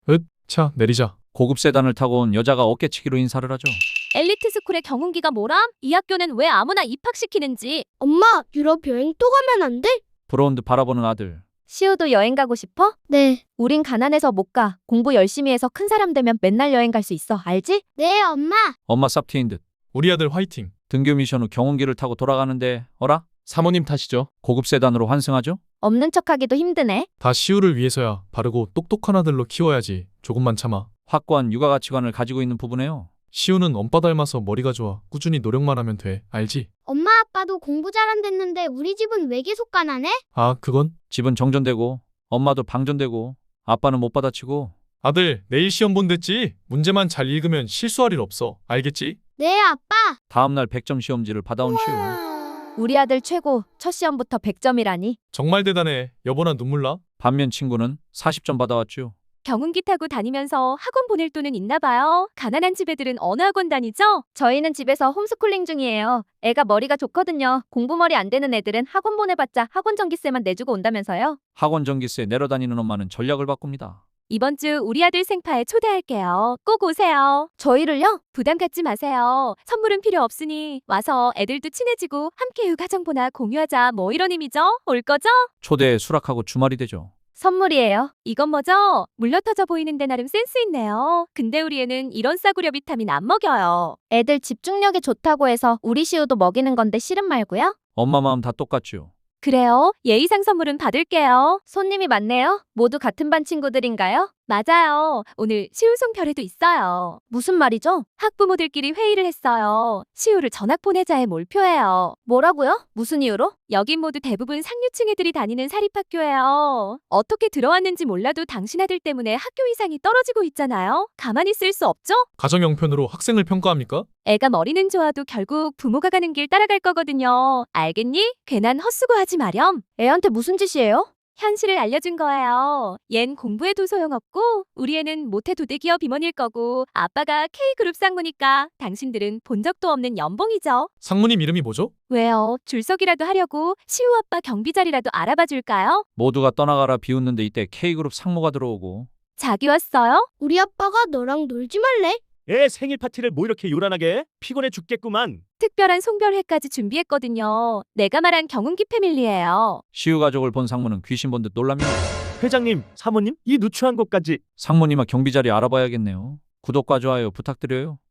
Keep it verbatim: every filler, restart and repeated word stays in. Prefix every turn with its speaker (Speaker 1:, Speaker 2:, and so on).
Speaker 1: 으, 차 내리자.
Speaker 2: 고급 세단을 타고 온 여자가 어깨치기로 인사를 하죠.
Speaker 3: 엘리트 스쿨의 경운기가 뭐람? 이 학교는 왜 아무나 입학시키는지.
Speaker 4: 엄마, 유럽 여행 또 가면 안 돼?
Speaker 2: 부러운 듯 바라보는 아들.
Speaker 3: 시우도 여행 가고 싶어?
Speaker 4: 네.
Speaker 3: 우린 가난해서 못 가. 공부 열심히 해서 큰 사람 되면 맨날 여행 갈 수 있어. 알지?
Speaker 4: 네, 엄마.
Speaker 2: 엄마 쌉티인 듯.
Speaker 1: 우리 아들 화이팅.
Speaker 2: 등교 미션 후 경운기를 타고 돌아가는데 어라?
Speaker 1: 사모님 타시죠.
Speaker 2: 고급 세단으로 환승하죠?
Speaker 3: 없는 척하기도 힘드네.
Speaker 1: 다 시우를 위해서야. 바르고 똑똑한 아들로 키워야지. 조금만 참아.
Speaker 2: 확고한 육아 가치관을 가지고 있는 부부네요.
Speaker 1: 시우는 엄빠 닮아서 머리가 좋아. 꾸준히 노력만 하면 돼. 알지?
Speaker 4: 엄마, 아빠도 공부 잘한댔는데 우리 집은 왜 계속 가난해?
Speaker 1: 아, 그건?
Speaker 2: 집은 정전되고 엄마도 방전되고 아빠는 못 받아치고.
Speaker 1: 아들, 내일 시험 본댔지? 문제만 잘 읽으면 실수할 일 없어. 알겠지?
Speaker 4: 네, 아빠.
Speaker 2: 다음날 백 점 시험지를 받아온 시우.
Speaker 3: 우리 아들 최고. 첫 시험부터 백 점이라니.
Speaker 1: 정말 대단해. 여보나 눈물 나?
Speaker 2: 반면 친구는 사십 점 받아왔죠.
Speaker 3: 경운기 타고 다니면서 학원 보낼 돈은 있나 봐요. 가난한 집 애들은 어느 학원 다니죠? 저희는 집에서 홈스쿨링 중이에요. 애가 머리가 좋거든요. 공부머리 안 되는 애들은 학원 보내봤자 학원 전기세만 내주고 온다면서요.
Speaker 2: 학원 전기세 내러 다니는 엄마는 전략을 바꿉니다.
Speaker 3: 이번 주 우리 아들 생파에 초대할게요. 꼭 오세요. 저희를요? 부담 갖지 마세요. 선물은 필요 없으니 와서 애들도 친해지고 함께 육아정보나 공유하자 뭐 이런 의미죠? 올 거죠?
Speaker 2: 초대에 수락하고 주말이 되죠.
Speaker 3: 선물이에요. 이건 뭐죠? 물러터져 보이는데 나름 센스 있네요. 근데 우리 애는 이런 싸구려 비타민 안 먹여요. 애들 집중력에 좋다고 해서 우리 시우도 먹이는 건데 싫음 말고요.
Speaker 2: 엄마 마음 다 똑같죠.
Speaker 3: 그래요. 예의상 선물은 받을게요. 손님이 많네요. 모두 같은 반 친구들인가요? 맞아요. 오늘 시우송 별에도 있어요. 무슨 말이죠? 학부모들끼리 회의를 했어요. 시우를 전학 보내자에 몰표해요. 뭐라고요? 무슨 이유로? 여긴 모두 대부분 상류층 애들이 다니는 사립학교예요. 어떻게 들어왔는지 몰라도 당신 아들 때문에 학교 이상이 떨어지고 있잖아요. 가만히 있을 수 없죠?
Speaker 1: 가정 형편으로 학생을 평가합니까?
Speaker 3: 애가 머리는 좋아도 결국 부모가 가는 길 따라갈 거거든요. 알겠니? 괜한 헛수고하지 마렴. 애한테 무슨 짓이에요? 현실을 알려준 거예요. 얜 공부해도 소용없고 우리 애는 못해도 대기업 임원일 거고 아빠가 K그룹 상무니까 당신들은 본 적도 없는 연봉이죠.
Speaker 1: 상무님 이름이 뭐죠?
Speaker 3: 왜요? 줄서기라도 하려고 시우 아빠 경비 자리라도 알아봐 줄까요?
Speaker 2: 모두가 떠나가라 비웃는데 이때 K그룹 상무가 들어오고.
Speaker 3: 자기 왔어요?
Speaker 4: 우리 아빠가 너랑 놀지 말래?
Speaker 5: 애 생일 파티를 뭐 이렇게 요란하게 해? 피곤해 죽겠구만.
Speaker 3: 특별한 송별회까지 준비했거든요. 내가 말한 경운기 패밀리예요.
Speaker 2: 시우 가족을 본 상무는 귀신 본 듯 놀라며
Speaker 5: 회장님, 사모님, 이 누추한 곳까지.
Speaker 2: 상무님아 경비 자리 알아봐야겠네요. 구독과 좋아요 부탁드려요.